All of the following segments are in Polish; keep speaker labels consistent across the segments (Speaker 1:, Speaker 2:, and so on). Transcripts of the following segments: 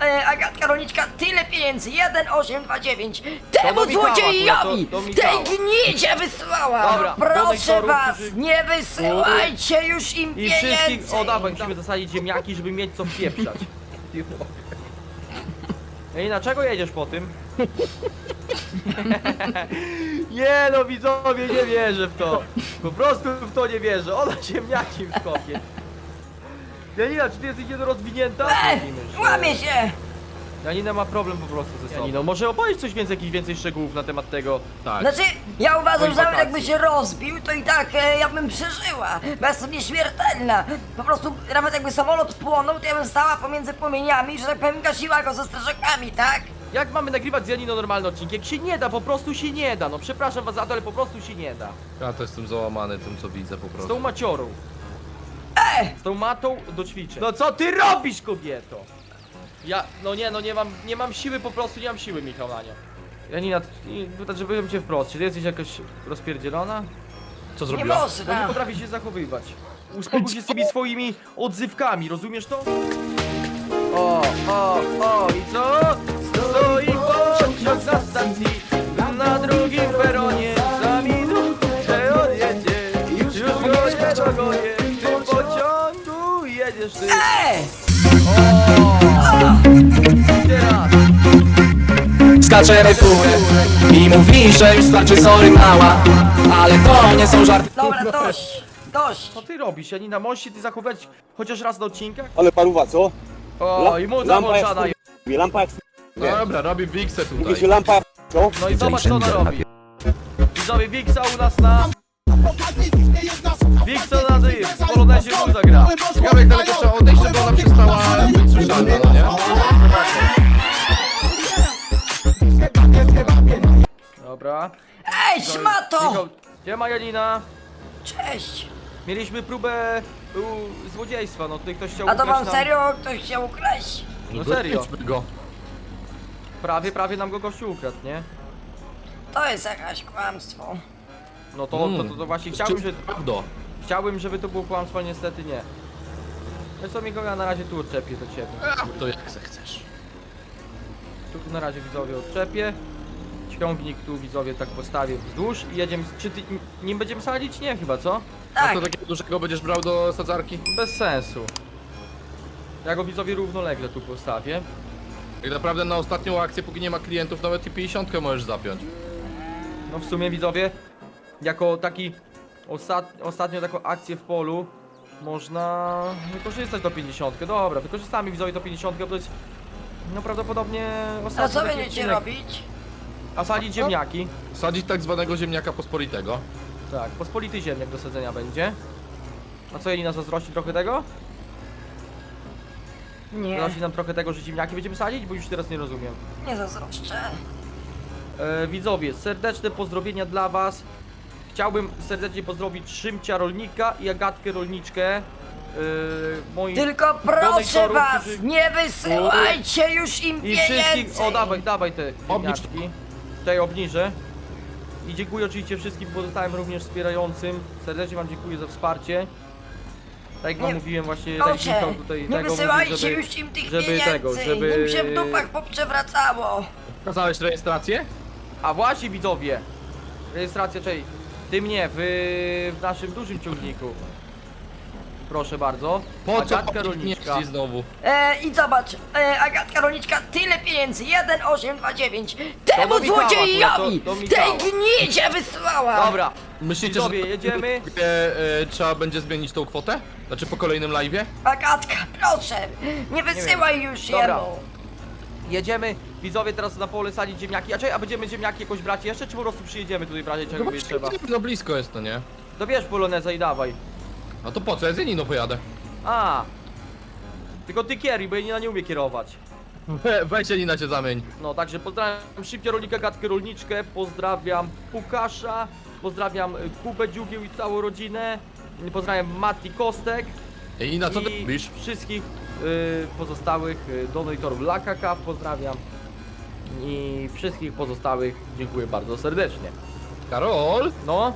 Speaker 1: Agatka Rolniczka, tyle pieniędzy, 1829. Temu
Speaker 2: Michała
Speaker 1: złodziejowi,
Speaker 2: akurat, do
Speaker 1: tej
Speaker 2: Michała.
Speaker 1: gnidzie wysłała.
Speaker 2: Dobra,
Speaker 1: Proszę
Speaker 2: donatorów,
Speaker 1: was,
Speaker 2: którzy-
Speaker 1: nie wysyłajcie już im
Speaker 2: I
Speaker 1: pieniędzy.
Speaker 2: wszystkich, o dawaj, musimy zasadzić ziemniaki, żeby mieć co wpieprzać. Ej, dlaczego jedziesz po tym? Nie no widzowie, nie wierzę w to. Po prostu w to nie wierzę. Ona ziemniaki w kopie. Janina, czy ty jesteś niedorozwinięta?
Speaker 1: Łamie się.
Speaker 2: Janina ma problem po prostu ze sobą. Janino, może opowiedz coś więcej, jakichś więcej szczegółów na temat tego.
Speaker 3: Tak.
Speaker 1: Znaczy, ja uważam,
Speaker 2: Moich
Speaker 1: że nawet
Speaker 2: wakacji.
Speaker 1: jakby się rozbił, to i tak ja bym przeżyła, bo ja jestem nieśmiertelna. Po prostu, nawet jakby samolot płonął, to ja bym stała pomiędzy płomieniami, że tak powiem, gasiła go ze strażakami, tak?
Speaker 2: Jak mamy nagrywać z Janiną normalny odcinek? Jak się nie da, po prostu się nie da. No przepraszam was za to, ale po prostu się nie da.
Speaker 3: Ja to jestem załamany tym, co widzę po
Speaker 2: Z
Speaker 3: prostu.
Speaker 2: tą maciorą. Z tą matą do ćwiczeń. No co ty robisz, kobieto? Ja, no nie mam siły, po prostu nie mam siły, Michał, na nią. Janina, żebym cię wprost, czy ty jesteś jakaś rozpierdzielona?
Speaker 3: Co
Speaker 1: Nie
Speaker 3: zrobiła?
Speaker 2: No
Speaker 1: można.
Speaker 2: nie potrafisz się zachowywać. Uspokój się z tymi swoimi odzywkami, rozumiesz to? O, i co? Stoi pociąg na stacji, na drugim peronie, za minutę odjedzie. Już go nie dogonię, w tym pociągu jedziesz ty. Teraz.
Speaker 4: Skaczemy w górę i mówi, że już starczy, sorry mała. Ale to nie są żarty.
Speaker 1: Dobra, dość.
Speaker 2: Co ty robisz, Janina? Możesz się ty zachować chociaż raz na odcinkach?
Speaker 5: Ale paruwa, co?
Speaker 2: O, i mu zawłączana jest.
Speaker 5: Lampa jak nie.
Speaker 3: Dobra, robi Wixę
Speaker 5: Mówi się
Speaker 3: tutaj.
Speaker 5: lampa jak co?
Speaker 2: No i zobacz co ona robi. Widzowie Wixa u nas na... Wixa na tym, w Polonezie mu zagra.
Speaker 3: Ciekawe jak daleko trzeba odejść, żeby ona przestała być słyszana, no nie?
Speaker 2: Dobra.
Speaker 1: Ej, szmato!
Speaker 2: Michał, gdzie ma Janina?
Speaker 1: Cześć.
Speaker 2: Mieliśmy próbę złodziejstwa, no tutaj ktoś chciał
Speaker 1: A to
Speaker 2: ukraść
Speaker 1: wam
Speaker 2: nam-
Speaker 1: serio ktoś chciał ukraść?
Speaker 2: No serio.
Speaker 3: Dojedźmy go.
Speaker 2: Prawie nam go gościu ukradł, nie?
Speaker 1: To jest jakieś kłamstwo.
Speaker 2: No to właśnie chciałbym, żeby to było kłamstwo, ale niestety nie. No co Michał, ja na razie tu odczepię do ciebie.
Speaker 3: To jak chcesz.
Speaker 2: Tu na razie widzowie odczepię. Ciągnik tu widzowie tak postawię wzdłuż i jedziemy. Czy ty nim będziemy sadzić? Nie chyba, co?
Speaker 3: A
Speaker 1: Tak.
Speaker 3: to takiego dużego będziesz brał do sadzarki?
Speaker 2: Bez sensu. Ja go widzowie równolegle tu postawię.
Speaker 3: Tak naprawdę na ostatnią akcję, póki nie ma klientów, nawet i 50 możesz zapiąć.
Speaker 2: No w sumie widzowie, jako taki ostatnio taką akcję w polu można wykorzystać do 50. Dobra, wykorzystamy widzowie do 50, bo to jest no prawdopodobnie
Speaker 1: A
Speaker 2: ostatni
Speaker 1: co
Speaker 2: taki
Speaker 1: będziecie
Speaker 2: odcinek.
Speaker 1: robić?
Speaker 2: A sadzić ziemniaki.
Speaker 3: Sadzić tak zwanego ziemniaka pospolitego.
Speaker 2: Tak, pospolity ziemniak do sadzenia będzie. A co, Jelina, zazdrości trochę tego?
Speaker 1: Nie,
Speaker 2: Zazdrości nam trochę tego, że ziemniaki będziemy sadzić? Bo już teraz nie rozumiem.
Speaker 1: nie zazdroszczę.
Speaker 2: Widzowie, serdeczne pozdrowienia dla was. Chciałbym serdecznie pozdrowić Szymcia Rolnika i Agatkę Rolniczkę. Moich
Speaker 1: Tylko proszę
Speaker 2: donatorów,
Speaker 1: was,
Speaker 2: którzy-
Speaker 1: nie wysyłajcie już im
Speaker 2: I
Speaker 1: pieniędzy.
Speaker 2: wszystkich... O, dawaj te
Speaker 3: Obnicz
Speaker 2: ziemniaczki. Tutaj obniżę. I dziękuję oczywiście wszystkim pozostałym również wspierającym. Serdecznie wam dziękuję za wsparcie. Tak jak wam
Speaker 1: Nie-
Speaker 2: mówiłem właśnie, tak jak
Speaker 1: Proszę,
Speaker 2: Michał tutaj
Speaker 1: nie
Speaker 2: tego
Speaker 1: wysyłajcie
Speaker 2: mówił,
Speaker 1: już im tych
Speaker 2: żeby
Speaker 1: pieniędzy,
Speaker 2: tego, żeby-
Speaker 1: im się w dupach poprzewracało.
Speaker 3: Pokazałeś rejestrację?
Speaker 2: A właśnie widzowie, rejestracja, czyli ty mnie w naszym dużym ciągniku. Proszę bardzo.
Speaker 3: Po co
Speaker 2: Agatka
Speaker 3: papież
Speaker 2: Rolniczka.
Speaker 3: mieści znowu?
Speaker 1: I zobacz, Agatka Rolniczka, tyle pieniędzy, 1829. Temu
Speaker 2: do Michała
Speaker 1: złodziejowi,
Speaker 2: akurat, do Michała.
Speaker 1: tej gnidzie wysłała.
Speaker 2: Dobra,
Speaker 3: Myślicie,
Speaker 2: widzowie,
Speaker 3: że
Speaker 2: jedziemy?
Speaker 3: trzeba będzie zmienić tą kwotę? Znaczy po kolejnym live'ie?
Speaker 1: Agatka, proszę, nie wysyłaj już
Speaker 2: Dobra.
Speaker 1: jemu.
Speaker 2: Jedziemy, widzowie, teraz na pole sadzić ziemniaki. A będziemy ziemniaki jakoś brać jeszcze, czy po prostu przyjedziemy tutaj w razie czego będzie trzeba?
Speaker 3: No blisko jest to, nie?
Speaker 2: Dobierz poloneza i dawaj.
Speaker 3: A to po co? Ja z Janiną pojadę.
Speaker 2: A, tylko ty kieruj, bo ja nie umie kierować.
Speaker 3: Weź Janina cię zamień.
Speaker 2: No, także pozdrawiam Szybcia Rolnika, Gatkę Rolniczkę, pozdrawiam Pukasza, pozdrawiam Kubę Dziugieł i całą rodzinę, pozdrawiam Mati Kostek
Speaker 3: Janina, co ty
Speaker 2: i
Speaker 3: robisz?
Speaker 2: wszystkich pozostałych donatorów Lakakaw, pozdrawiam i wszystkich pozostałych dziękuję bardzo serdecznie.
Speaker 3: Karol?
Speaker 2: No,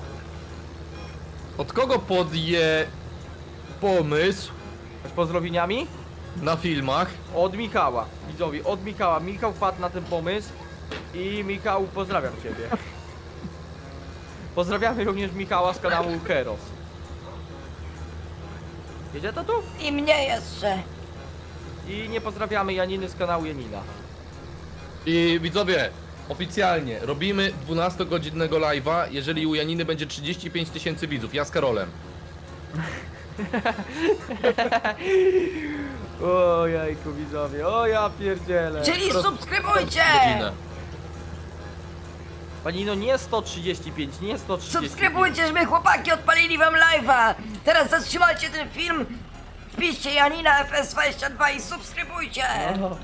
Speaker 3: Od kogo podje pomysł?
Speaker 2: z pozdrowieniami?
Speaker 3: na filmach.
Speaker 2: Od Michała, widzowie, od Michała. Michał wpadł na ten pomysł i Michał, pozdrawiam ciebie. Pozdrawiamy również Michała z kanału Heros. Jedzie to tu?
Speaker 1: I mnie jeszcze.
Speaker 2: I nie pozdrawiamy Janiny z kanału Janina.
Speaker 3: I widzowie, oficjalnie robimy 12-godzinnego live'a, jeżeli u Janiny będzie 35 000 widzów, ja z Karolem.
Speaker 2: O jajku, widzowie, o ja pierdzielę.
Speaker 1: Czyli subskrybujcie!
Speaker 3: Godzinę.
Speaker 2: Panino, nie 135, nie 135.
Speaker 1: Subskrybujcie, żeby chłopaki odpalili wam live'a! Teraz zatrzymajcie ten film, wpiszcie Janina FS22 i subskrybujcie!
Speaker 2: No,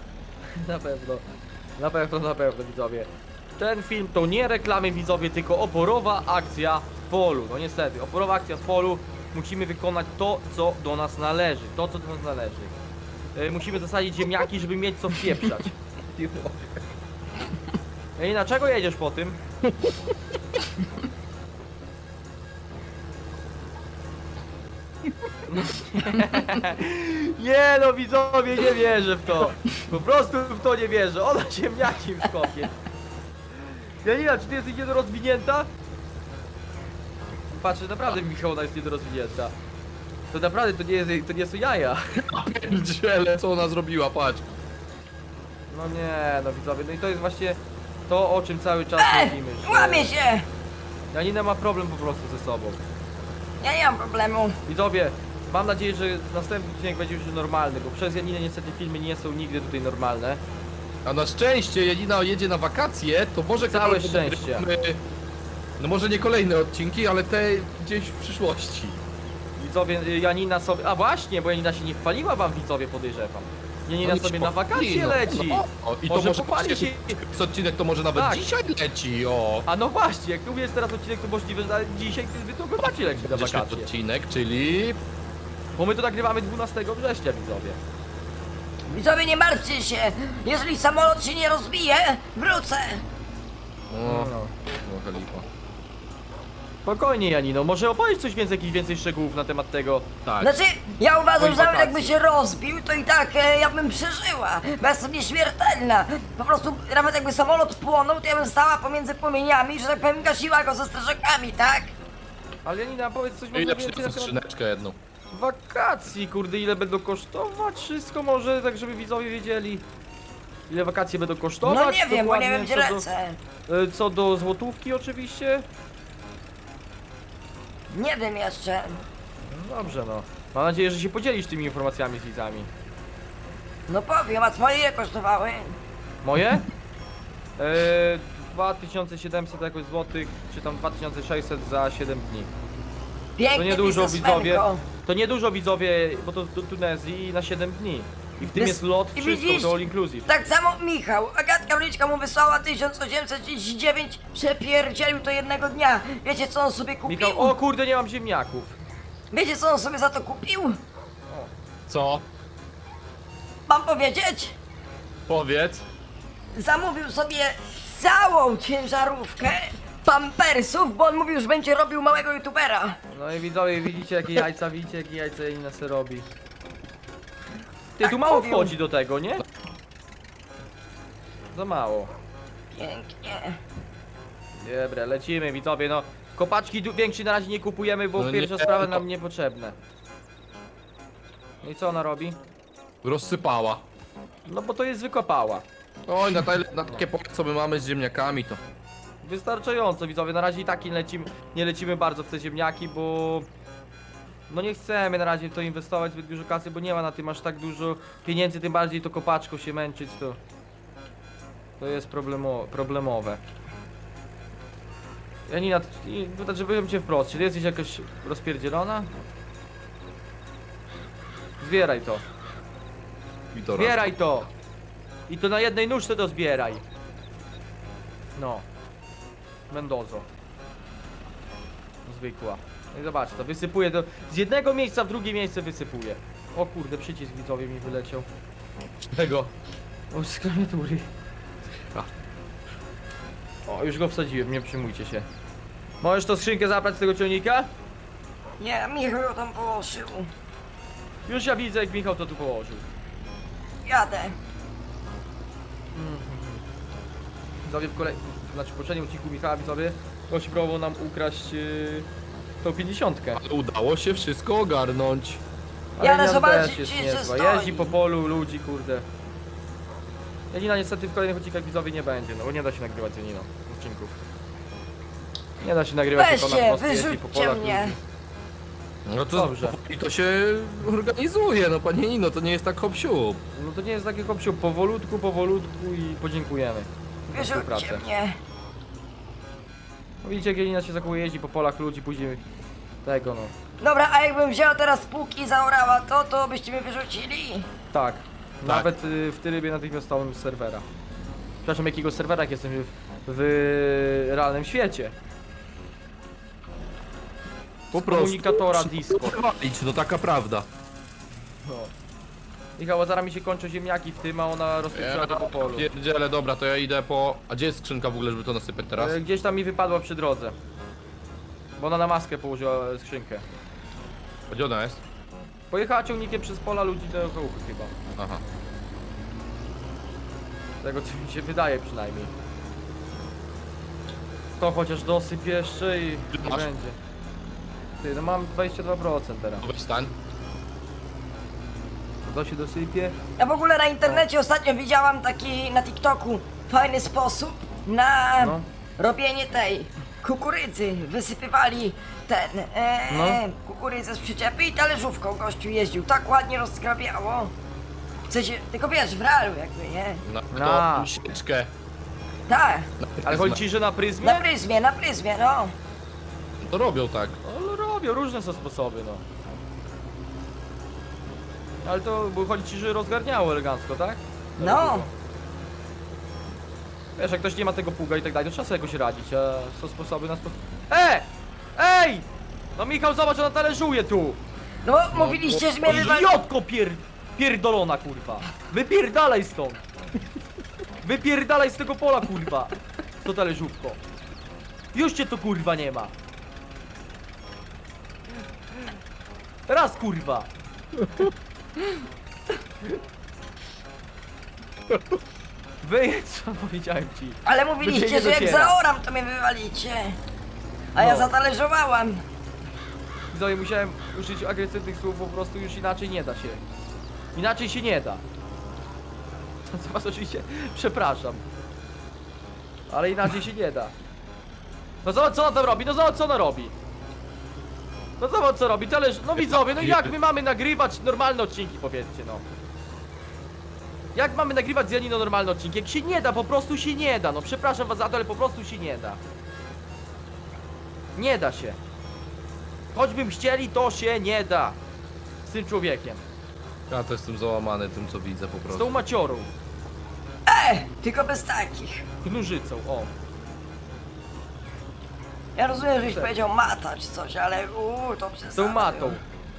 Speaker 2: na pewno, widzowie. Ten film to nie reklamy, widzowie, tylko oporowa akcja w polu. No niestety, oporowa akcja w polu. Musimy wykonać to, co do nas należy. To, co do nas należy. Musimy zasadzić ziemniaki, żeby mieć co wpieprzać. Ej, dlaczego jedziesz po tym? Nie no, widzowie, nie wierzę w to. Po prostu w to nie wierzę. Ona ziemniaki w kopie. Janina, czy ty jesteś niedorozwinięta? Patrzę, naprawdę Michał, ona jest niedorozwinięta. To naprawdę, to nie są jaja.
Speaker 3: Pierdziele, co ona zrobiła, patrz.
Speaker 2: No nie, no widzowie, no i to jest właśnie to, o czym cały czas mówimy, że
Speaker 1: Łamie się!
Speaker 2: Janina ma problem po prostu ze sobą.
Speaker 1: Ja nie mam problemu.
Speaker 2: Widzowie, mam nadzieję, że następny odcinek będzie już normalny, bo przez Janinę niestety filmy nie są nigdy tutaj normalne.
Speaker 3: A na szczęście Janina jedzie na wakacje, to może
Speaker 2: Całe
Speaker 3: Karol,
Speaker 2: szczęście.
Speaker 3: nagrywamy, no może nie kolejne odcinki, ale te gdzieś w przyszłości.
Speaker 2: Widzowie, Janina sobie... A właśnie, bo Janina się nie chwaliła wam, widzowie, podejrzewam. Janina
Speaker 3: Oni
Speaker 2: sobie
Speaker 3: się
Speaker 2: na wakacje
Speaker 3: pochwali,
Speaker 2: leci.
Speaker 3: O, i to
Speaker 2: Może
Speaker 3: może
Speaker 2: pochwali się.
Speaker 3: z odcinek to może nawet
Speaker 2: Tak.
Speaker 3: dzisiaj leci, o.
Speaker 2: A no właśnie, jak tu jest teraz odcinek, to możliwe, że dzisiaj wy to macie lecieć na
Speaker 3: Będzie świetny
Speaker 2: wakacje.
Speaker 3: odcinek, czyli...
Speaker 2: Bo my to nagrywamy 12 września, widzowie.
Speaker 1: Widzowie, nie martwcie się! Jeżeli samolot się nie rozbije, wrócę!
Speaker 3: O, no lipa.
Speaker 2: Spokojnie, Janino, może opowiedz coś więcej, jakichś więcej szczegółów na temat tego.
Speaker 3: Tak.
Speaker 1: Znaczy, ja uważam,
Speaker 2: Moich
Speaker 1: że nawet
Speaker 2: wakacji.
Speaker 1: jakby się rozbił, to i tak ja bym przeżyła, bo ja jestem nieśmiertelna. Po prostu, nawet jakby samolot płonął, to ja bym stała pomiędzy płomieniami, że tak powiem, gasiła go ze strażakami, tak?
Speaker 2: Ale Janina, powiedz coś może
Speaker 3: Ile
Speaker 2: więcej na
Speaker 3: przyniosę
Speaker 2: temat
Speaker 3: skrzyneczkę jedną?
Speaker 2: wakacji, kurde, ile będą kosztować, wszystko może, tak żeby widzowie wiedzieli. Ile wakacje będą kosztować?
Speaker 1: No nie wiem, bo nie
Speaker 2: dokładnie,
Speaker 1: wiem, gdzie
Speaker 2: co do-
Speaker 1: lecę.
Speaker 2: Co do złotówki oczywiście.
Speaker 1: Nie wiem jeszcze.
Speaker 2: No dobrze, no. Mam nadzieję, że się podzielisz tymi informacjami z widzami.
Speaker 1: No powiem, a twoje ile kosztowały?
Speaker 2: Moje? 2700 jakoś złotych, czy tam 2600 za 7 dni.
Speaker 1: Pięknie,
Speaker 2: To niedużo,
Speaker 1: biznesmenko.
Speaker 2: widzowie. To niedużo, widzowie, bo to do Tunezji na 7 dni. I w tym jest lot,
Speaker 1: I
Speaker 2: wszystko,
Speaker 1: widzisz?
Speaker 2: to all inclusive.
Speaker 1: Tak samo Michał. Agatka Wliczka mu wysłała 1839, przepierdzielił to jednego dnia. Wiecie co on sobie kupił?
Speaker 2: Michał, o kurde, nie mam ziemniaków.
Speaker 1: Wiecie co on sobie za to kupił?
Speaker 3: Co?
Speaker 1: Mam powiedzieć?
Speaker 3: Powiedz.
Speaker 1: Zamówił sobie całą ciężarówkę pampersów, bo on mówił, że będzie robił małego youtubera.
Speaker 2: No i widzowie, widzicie jakie jajca Janina se robi. Ty,
Speaker 1: Tak
Speaker 2: tu mało
Speaker 1: mówił.
Speaker 2: wchodzi do tego, nie? Za mało.
Speaker 1: Pięknie.
Speaker 2: Dobra, lecimy, widzowie, no. Kopaczki większej na razie nie kupujemy, bo
Speaker 3: No
Speaker 2: pierwsza
Speaker 3: nie,
Speaker 2: sprawa
Speaker 3: no.
Speaker 2: nam niepotrzebne. No i co ona robi?
Speaker 3: Rozsypała.
Speaker 2: No bo to jest wykopała.
Speaker 3: Oj, na takie pole, co my mamy z ziemniakami, to...
Speaker 2: Wystarczająco, widzowie, na razie i tak nie lecimy bardzo w te ziemniaki, bo... No nie chcemy na razie w to inwestować zbyt dużo kasy, bo nie ma na tym aż tak dużo pieniędzy, tym bardziej to kopaczką się męczyć, to... To jest problemowe. Janina, żebym cię wprost, czy ty jesteś jakoś rozpierdzielona? Zbieraj to.
Speaker 3: I to
Speaker 2: Zbieraj to! I to na jednej nóżce to zbieraj. No. Mendozo. Zwykła. No i zobacz, to wysypuje do... Z jednego miejsca w drugie miejsce wysypuje. O kurde, przycisk widzowie mi wyleciał.
Speaker 3: Tego.
Speaker 2: O, z klawiatury. O, już go wsadziłem, nie przejmujcie się. Możesz tą skrzynkę zabrać z tego ciągnika?
Speaker 1: Nie, Michał ją tam położył.
Speaker 2: Już ja widzę, jak Michał to tu położył.
Speaker 1: jadę.
Speaker 2: Widzowie w poprzednim odcinku Michała, widzowie, gość próbował nam ukraść tą 50.
Speaker 3: Ale udało się wszystko ogarnąć.
Speaker 1: Ja
Speaker 2: Janina
Speaker 1: ale zobaczyć,
Speaker 2: też jest
Speaker 1: czy
Speaker 2: niezła.
Speaker 1: stoi.
Speaker 2: Jeździ po polu ludzi, kurde. Janina niestety w kolejnych odcinkach widzowie nie będzie, no bo nie da się nagrywać z Janiną odcinków. Nie da się nagrywać, jak ona po
Speaker 1: Weźcie,
Speaker 2: prostu jeździ po
Speaker 1: wyrzućcie
Speaker 2: polach
Speaker 1: mnie.
Speaker 2: ludzi.
Speaker 3: No to
Speaker 2: Dobrze.
Speaker 3: i to się organizuje, no panie Nino, to nie jest tak hop-siup.
Speaker 2: No to nie jest takie kopsiu, powolutku i podziękujemy za
Speaker 1: Wyrzućcie
Speaker 2: współpracę.
Speaker 1: mnie.
Speaker 2: No widzicie, jak Janina się zachowuje, jeździ po polach ludzi, później tego no.
Speaker 1: Dobra, a jakbym wzięła teraz płuki i zaorała to byście mnie wyrzucili?
Speaker 2: Tak. Nawet w trybie natychmiastowym z serwera. Przepraszam, jakiego serwera, jak jestem w realnym świecie.
Speaker 3: Po
Speaker 2: Z komunikatora
Speaker 3: prostu
Speaker 2: disco.
Speaker 3: wywalić, no taka prawda.
Speaker 2: No. Michał, a zaraz mi się kończą ziemniaki w tym, a ona rozpieprzyła to po polu.
Speaker 3: Pierdziele, dobra, to ja idę po... A gdzie jest skrzynka w ogóle, żeby to nasypać teraz?
Speaker 2: Gdzieś tam mi wypadła przy drodze. Bo ona na maskę położyła skrzynkę.
Speaker 3: A gdzie ona jest?
Speaker 2: Pojechała ciągnikiem przez pola ludzi do chałupy chyba.
Speaker 3: Aha.
Speaker 2: Tego co mi się wydaje przynajmniej. To chociaż dosyp jeszcze i nie
Speaker 3: Masz?
Speaker 2: będzie. Ty, no mam 22% teraz.
Speaker 3: To weź stań.
Speaker 2: To się dosypie.
Speaker 1: Ja w ogóle na internecie ostatnio widziałam taki na TikToku fajny sposób na
Speaker 2: No.
Speaker 1: robienie tej kukurydzy. Wysypywali ten
Speaker 2: No.
Speaker 1: kukurydzę z przyczepy i talerzówką gościu jeździł. Tak ładnie rozkrabiało. W sensie, tylko wiesz, w realu jakby, nie?
Speaker 3: Na
Speaker 2: A.
Speaker 3: sieczkę.
Speaker 1: Tak,
Speaker 2: Ale chodzi ci, że na
Speaker 1: na
Speaker 2: pryzmie?
Speaker 1: pryzmie, no.
Speaker 3: To robią tak.
Speaker 2: No robią, różne są sposoby, no. Ale to, bo chodzi ci, że rozgarniało elegancko, tak?
Speaker 1: No.
Speaker 2: Wiesz, jak ktoś nie ma tego pługa i tak dalej, to trzeba sobie jakoś radzić, a są sposoby na sposób... Ej! No Michał, zobacz, ona talerzuje tu!
Speaker 1: No bo mówiliście, że mnie wywali...
Speaker 2: Idiotko pierdolona, kurwa! Wypierdalaj stąd! Wypierdalaj z tego pola, kurwa! To talerzówko. Już cię to, kurwa, nie ma! Raz, kurwa! Wyjedź, co powiedziałem ci.
Speaker 1: Ale
Speaker 2: Do
Speaker 1: mówiliście,
Speaker 2: ciebie
Speaker 1: że jak
Speaker 2: dociera.
Speaker 1: zaoram, to mnie wywalicie. A ja
Speaker 2: No.
Speaker 1: zatalerzowałam.
Speaker 2: Widzowie, musiałem użyć agresywnych słów, po prostu już inaczej nie da się. Inaczej się nie da. Co was oczywiście przepraszam. Ale inaczej się nie da. No zobacz, co ona tam robi, no zobacz, co ona robi. No zobacz, co robi, no widzowie, no jak my mamy nagrywać normalne odcinki, powiedzcie, no. Jak mamy nagrywać z Janiną normalne odcinki? Jak się nie da, po prostu się nie da, no przepraszam was za to, ale po prostu się nie da. Nie da się. Choćbym chcieli, to się nie da. Z tym człowiekiem.
Speaker 3: Ja to jestem załamany tym, co widzę po
Speaker 2: Z
Speaker 3: prostu.
Speaker 2: tą maciorą.
Speaker 1: Tylko bez takich.
Speaker 2: Knurzycą, o.
Speaker 1: Ja rozumiem, żeś
Speaker 2: Tak.
Speaker 1: powiedział mata czy coś, ale to przesada.
Speaker 2: Z tą matą.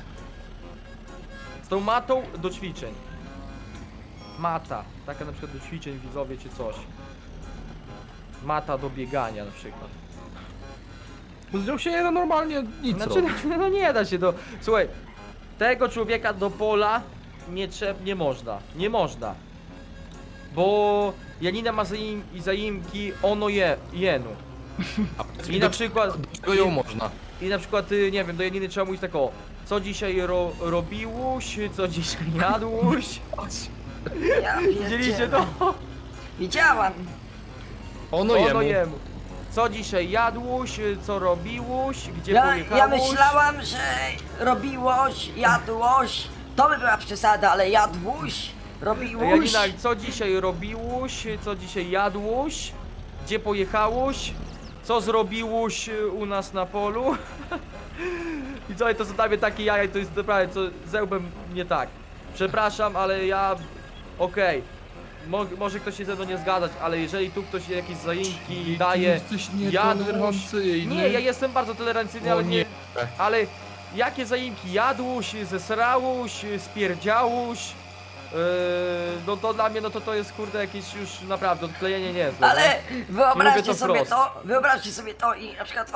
Speaker 2: Z tą matą do ćwiczeń. Mata. Taka na przykład do ćwiczeń, widzowie, czy coś. Mata do biegania na przykład.
Speaker 3: Z nią się nie da normalnie nic
Speaker 2: Znaczy,
Speaker 3: robić.
Speaker 2: no nie da się do... Słuchaj, tego człowieka do pola nie można. Nie można. Bo Janina ma zaimki ono jenu. I na przykład...
Speaker 3: Czego ją można?
Speaker 2: I na przykład, nie wiem, do Janiny trzeba mówić tak o, co dzisiaj robiłuś, co dzisiaj jadłuś.
Speaker 1: Ja
Speaker 2: Widzieliście
Speaker 1: pierdzielę.
Speaker 2: to?
Speaker 1: Widziałam.
Speaker 3: Ono
Speaker 2: Ono
Speaker 3: jemu.
Speaker 2: jemu. Co dzisiaj jadłuś, co robiłuś, gdzie
Speaker 1: Ja
Speaker 2: pojechałuś.
Speaker 1: myślałam, że robiłoś, jadłoś. To by była przesada, ale jadłuś, robiłuś.
Speaker 2: Janina, co dzisiaj robiłuś, co dzisiaj jadłuś, gdzie pojechałuś, co zrobiłuś u nas na polu. I co, to są dla mnie takie jaja, to jest naprawdę, co zełbem nie tak. Przepraszam, ale ja... Okej. Może ktoś się ze mną nie zgadzać, ale jeżeli tu ktoś jakieś zaimki daje,
Speaker 3: jesteś nietolerancyjny.
Speaker 2: Nie, ja jestem bardzo tolerancyjny,
Speaker 3: O
Speaker 2: ale nie...
Speaker 3: nie.
Speaker 2: Ale jakie zaimki? Jadłuś, zesrałuś, spierdziałuś. No to dla mnie, no to jest kurde jakieś już naprawdę odklejenie niezłe.
Speaker 1: Ale
Speaker 2: nie?
Speaker 1: wyobraźcie
Speaker 2: Mówię to
Speaker 1: sobie
Speaker 2: wprost.
Speaker 1: wyobraźcie sobie to i na przykład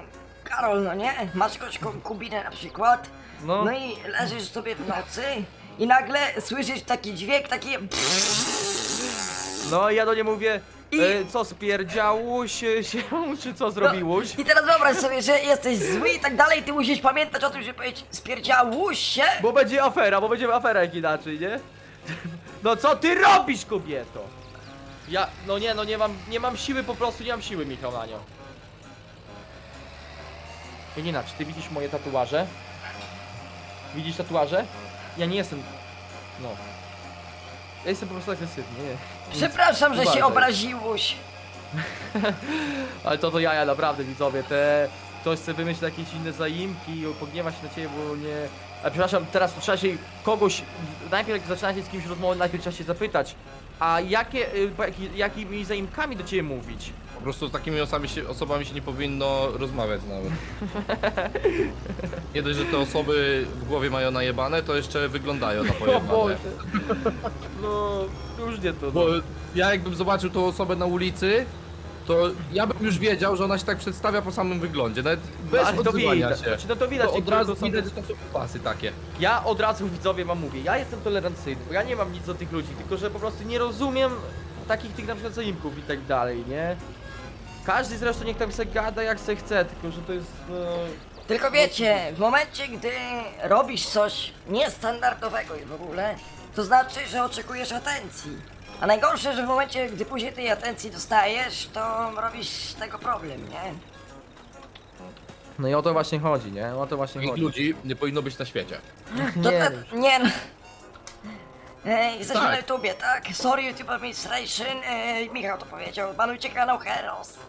Speaker 1: Karol, no nie? Masz jakąś konkubinę na przykład,
Speaker 2: No.
Speaker 1: no i leżysz sobie w nocy i nagle słyszysz taki dźwięk, takie...
Speaker 2: No ja do niej mówię,
Speaker 1: I-
Speaker 2: co spierdziałuś się, czy co zrobiłuś?
Speaker 1: I teraz wyobraź sobie, że jesteś zły i tak dalej, ty musisz pamiętać o tym, żeby powiedzieć spierdziałuś się.
Speaker 2: Bo będzie afera jak inaczej, nie? No co ty robisz, kobieto? Ja, no nie, no nie mam siły, po prostu nie mam siły, Michał, na nią. Janina, czy ty widzisz moje tatuaże? Widzisz tatuaże? Ja nie jestem, no. Ja jestem po prostu agresywny, nie.
Speaker 1: Przepraszam, że
Speaker 2: Uważaj.
Speaker 1: się obraziłeś.
Speaker 2: Ale to jaja, naprawdę, widzowie, ktoś chce wymyślić jakieś inne zaimki i pogniewa się na ciebie, bo nie... A przepraszam, teraz trzeba się kogoś... Najpierw jak zaczynacie z kimś rozmowę, najpierw trzeba się zapytać, a jakimi zaimkami do ciebie mówić?
Speaker 3: Po prostu z takimi osobami się nie powinno rozmawiać nawet. Nie dość, że te osoby w głowie mają najebane, to jeszcze wyglądają na
Speaker 2: O
Speaker 3: pojebane.
Speaker 2: Boże. No, już nie to.
Speaker 3: Bo
Speaker 2: No.
Speaker 3: ja jakbym zobaczył tą osobę na ulicy, to ja bym już wiedział, że ona się tak przedstawia po samym wyglądzie, nawet bez
Speaker 2: Ale to
Speaker 3: odzywania
Speaker 2: widać,
Speaker 3: się.
Speaker 2: znaczy, no to widać,
Speaker 3: To od
Speaker 2: niektóre
Speaker 3: razu
Speaker 2: to są-
Speaker 3: widać, że to są pasy takie.
Speaker 2: Ja od razu widzowie wam mówię, ja jestem tolerancyjny, bo ja nie mam nic do tych ludzi, tylko że po prostu nie rozumiem takich tych na przykład zaimków i tak dalej, nie? Każdy zresztą niech tam se gada jak se chce, tylko że to jest...
Speaker 1: Tylko wiecie, w momencie, gdy robisz coś niestandardowego i w ogóle, to znaczy, że oczekujesz atencji. A najgorsze, że w momencie, gdy później tej atencji dostajesz, to robisz z tego problem, nie?
Speaker 2: No i o to właśnie chodzi, nie? O to właśnie
Speaker 3: Takich
Speaker 2: chodzi.
Speaker 3: ludzi nie powinno być na świecie.
Speaker 1: To
Speaker 2: Nie,
Speaker 1: nie no. Jesteśmy
Speaker 3: Tak.
Speaker 1: na YouTubie, tak? Sorry YouTube Administration, Michał to powiedział, banujcie kanał Heros.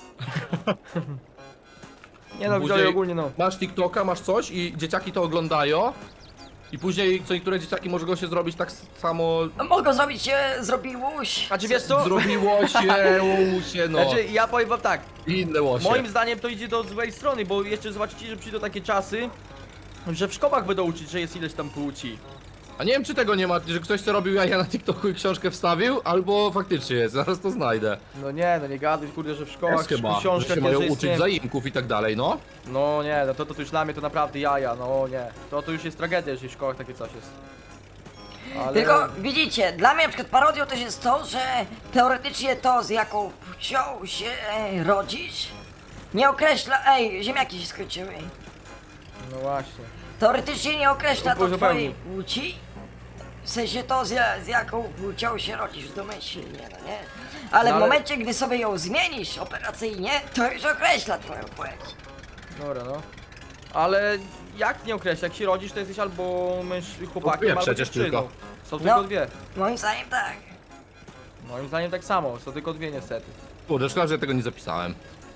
Speaker 2: nie no, widzowie ogólnie no.
Speaker 3: Masz TikToka, masz coś i dzieciaki to oglądają i później co niektóre dzieciaki mogą się zrobić tak samo
Speaker 1: No, mogą zrobić się, zrobiłuś.
Speaker 2: A czy wiesz co?
Speaker 3: zrobiło się, łosie, no.
Speaker 2: Znaczy ja powiem wam tak,
Speaker 3: I inne łosie.
Speaker 2: moim zdaniem to idzie do złej strony, bo jeszcze zobaczycie, że przyjdą takie czasy, że w szkołach będą uczyć, że jest ileś tam płci.
Speaker 3: A nie wiem czy tego nie ma, że ktoś co robił jaja na TikToku i książkę wstawił, albo faktycznie jest, zaraz to znajdę.
Speaker 2: No nie gaduj, kurde, że w szkołach,
Speaker 3: Jest chyba,
Speaker 2: w
Speaker 3: że
Speaker 2: książkach
Speaker 3: się mają
Speaker 2: jest,
Speaker 3: uczyć
Speaker 2: nie...
Speaker 3: zaimków i tak dalej, no.
Speaker 2: No nie, no to już dla mnie to naprawdę jaja, no nie. To już jest tragedia, jeżeli w szkołach takie coś jest. Ale...
Speaker 1: Tylko widzicie, dla mnie na przykład parodią też jest to, że teoretycznie to, z jaką płcią się rodzisz, nie określa... Ej, ziemniaki się skończyły.
Speaker 2: No właśnie.
Speaker 1: Teoretycznie nie określa to
Speaker 2: Zupełnie.
Speaker 1: twojej płci. W sensie to, z jaką płcią się rodzisz domyślnie, no nie? Ale
Speaker 2: No
Speaker 1: w
Speaker 2: ale-
Speaker 1: momencie, gdy sobie ją zmienisz operacyjnie, to już określa twoją płeć.
Speaker 2: Dobra, no. Ale jak nie określa, jak się rodzisz, to jesteś albo chłopakiem,
Speaker 3: dwie
Speaker 2: albo
Speaker 3: przecież
Speaker 2: dziewczyną.
Speaker 3: tylko.
Speaker 2: Są tylko
Speaker 1: No.
Speaker 2: dwie.
Speaker 1: Moim zdaniem tak.
Speaker 2: Moim zdaniem tak samo, są tylko dwie niestety.
Speaker 3: Kurde, szkoda, że ja tego nie zapisałem.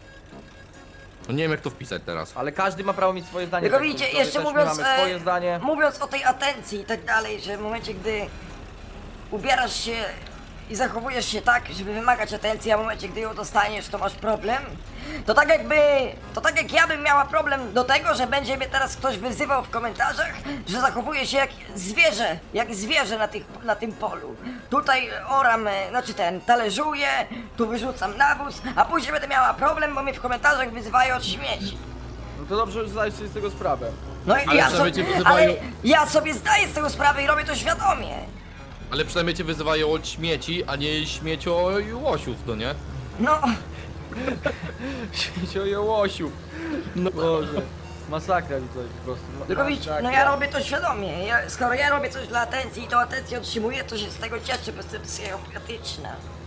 Speaker 3: No nie wiem jak to wpisać teraz.
Speaker 2: Ale każdy ma prawo mieć swoje zdanie.
Speaker 1: Tylko
Speaker 2: tak,
Speaker 1: widzicie,
Speaker 2: widzowie,
Speaker 1: jeszcze
Speaker 2: też my
Speaker 1: mówiąc,
Speaker 2: mamy swoje zdanie.
Speaker 1: mówiąc o tej atencji i tak dalej, że w momencie, gdy ubierasz się i zachowujesz się tak, żeby wymagać atencji, a w momencie, gdy ją dostaniesz, to masz problem, to tak jak ja bym miała problem do tego, że będzie mnie teraz ktoś wyzywał w komentarzach, że zachowuję się jak zwierzę na tym polu. Tutaj oram, talerzuję, tu wyrzucam nawóz, a później będę miała problem, bo mnie w komentarzach wyzywają od śmieci.
Speaker 2: No to dobrze, że zdajesz sobie z tego sprawę.
Speaker 1: No i
Speaker 3: Ale
Speaker 1: ja
Speaker 3: przynajmniej
Speaker 1: sobie,
Speaker 3: cię wyzywają-
Speaker 1: ale ja sobie zdaję z tego sprawę i robię to świadomie.
Speaker 3: Ale przynajmniej cię wyzywają od śmieci, a nie śmiecio i łosiów, no nie?
Speaker 1: No,
Speaker 2: Śmieciojołosiu. No Boże. Masakra widzowie po prostu.
Speaker 1: tylko widzicie, no ja robię to świadomie. Skoro ja robię coś dla atencji i tą atencję otrzymuję, to się z tego cieszę, bo jestem psychopatyczna.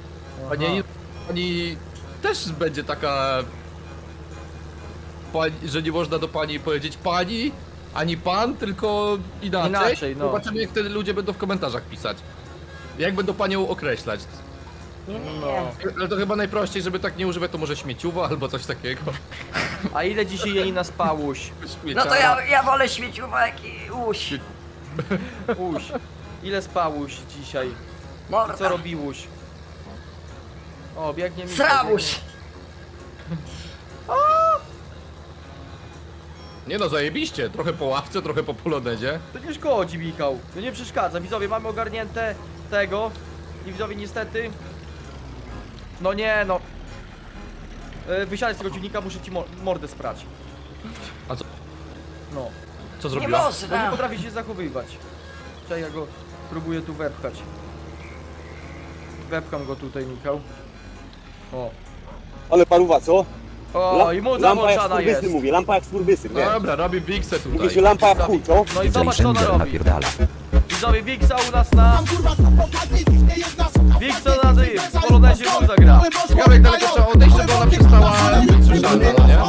Speaker 3: Pani też będzie taka... Pani, że nie można do pani powiedzieć pani, ani pan, tylko inaczej.
Speaker 2: Inaczej, no.
Speaker 3: Zobaczymy jak wtedy ludzie będą w komentarzach pisać. Jak będą panią określać.
Speaker 1: Nie, nie,
Speaker 2: No.
Speaker 1: nie.
Speaker 3: Ale to chyba najprościej, żeby tak nie używać, to może śmieciuwa albo coś takiego.
Speaker 2: A ile dzisiaj Janina spałuś?
Speaker 1: No to ja wolę śmieciówek i uś.
Speaker 2: Uś. Ile spałuś dzisiaj?
Speaker 1: Morda.
Speaker 2: Co robiłuś? O, biegnie mi.
Speaker 1: Srałuś.
Speaker 3: Nie no, zajebiście. Trochę po ławce, trochę po polonedzie.
Speaker 2: To nie szkodzi, Michał. To nie przeszkadza. Widzowie, mamy ogarnięte tego. I widzowie, niestety. No nie, no. Wysiadaj z tego ciunika, muszę ci mordę sprać.
Speaker 3: A co,
Speaker 2: No.
Speaker 3: co
Speaker 1: Nie
Speaker 3: zrobiła?
Speaker 2: No nie
Speaker 1: można.
Speaker 2: potrafi się zachowywać. Czekaj, ja go próbuję tu wepchać. Wepcham go tutaj, Michał. O.
Speaker 5: Ale paruwa, co?
Speaker 2: O, i mu
Speaker 5: lampa jak
Speaker 2: zawłączana
Speaker 5: skurwysyn,
Speaker 2: jest.
Speaker 5: mówię, lampa jak skurwysyn, nie?
Speaker 3: Dobra, robi Wiksę
Speaker 5: Mówi
Speaker 3: tutaj.
Speaker 5: się lampa jak chuj, co?
Speaker 2: No i zobacz co ona robi. Widzowie, Wiksa u nas na... Wiksa na dym, w Polonezie mu zagra.
Speaker 3: Ciekawe jak daleko trzeba odejść, żeby ona przestała być słyszalna, no nie?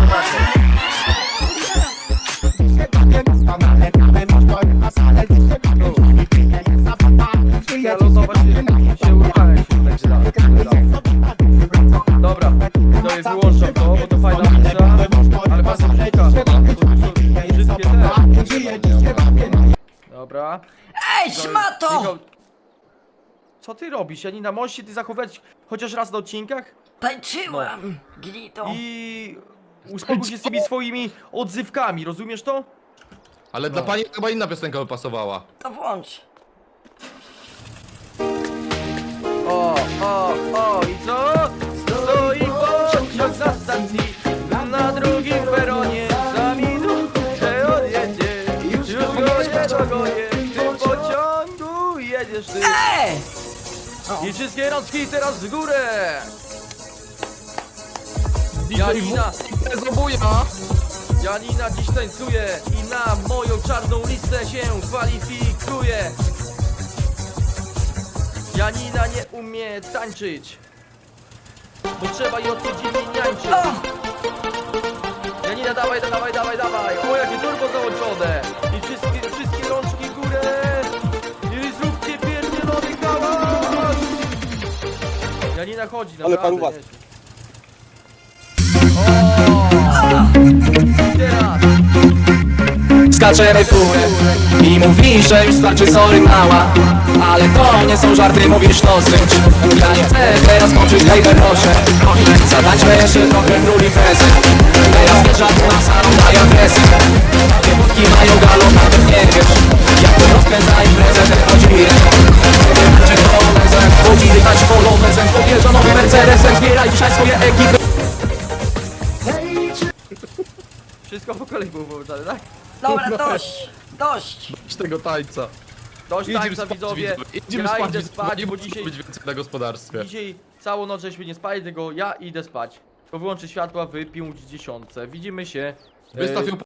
Speaker 2: Ja losować się uruchamia się tak gra. Dobra, widzowie, wyłączam to, bo to fajna pizza. Ale bardzo brzydka. Brzydkie te. Dobra.
Speaker 1: Ej, szmato!
Speaker 2: Michał, co ty robisz, Janina? Możesz się ty zachować chociaż raz na odcinkach?
Speaker 1: Tańczyłam, gnito.
Speaker 2: I uspokój się z tymi swoimi odzywkami, rozumiesz to?
Speaker 3: Ale dla pani chyba inna piosenka by pasowała.
Speaker 1: To włącz.
Speaker 2: O, i co? Stoi pociąg na stacji, na drugim peronie, za minutę odjedzie. Już go nie dogonię, w tym pociągu jedziesz ty. I wszystkie rączki teraz w górę. Janina, Janina dziś tańcuje i na moją czarną listę się kwalifikuje. Janina nie umie tańczyć, bo trzeba ją codziennie niańczyć.
Speaker 1: O!
Speaker 2: Janina, dawaj, dawaj, dawaj, dawaj. O, jakie turbo załączone. I wszystkie rączki w górę. I zróbcie pierdzielony hałas. Janina chodzi, naprawdę.
Speaker 5: paruwa.
Speaker 2: nieźle. O! Teraz.
Speaker 4: Skaczemy w górę i mówisz, że już starczy, sorry mała. Ale to nie są żarty, mówisz dosyć. Ja nie chcę teraz kończyć, hejter, proszę. Zatańczmy jeszcze trochę król imprezy. Teraz wjeżdża tu na salon, daje presję. Takie wódki mają galon, nawet nie wiesz. Jak to rozkręca imprezę, ten chodzi czy polonezem, chodzi dychać polonezem. Podjeżdża nowy Mercedesem, zbieraj dzisiaj swoje ekipy.
Speaker 2: Wszystko po kolei było połączone, tak?
Speaker 1: Dobra, dość, dość.
Speaker 3: Z tego tańca.
Speaker 2: Dość
Speaker 3: Idziemy
Speaker 2: tańca,
Speaker 3: spać,
Speaker 2: widzowie.
Speaker 3: Idziemy
Speaker 2: Ja
Speaker 3: spać,
Speaker 2: idę
Speaker 3: widzowie.
Speaker 2: spać,
Speaker 3: Nie
Speaker 2: bo
Speaker 3: musi
Speaker 2: dzisiaj...
Speaker 3: być więcej na gospodarstwie.
Speaker 2: Dzisiaj całą noc żeśmy nie spali, tylko ja idę spać. To wyłączę światła w 50. Widzimy się.
Speaker 3: Wystaw ją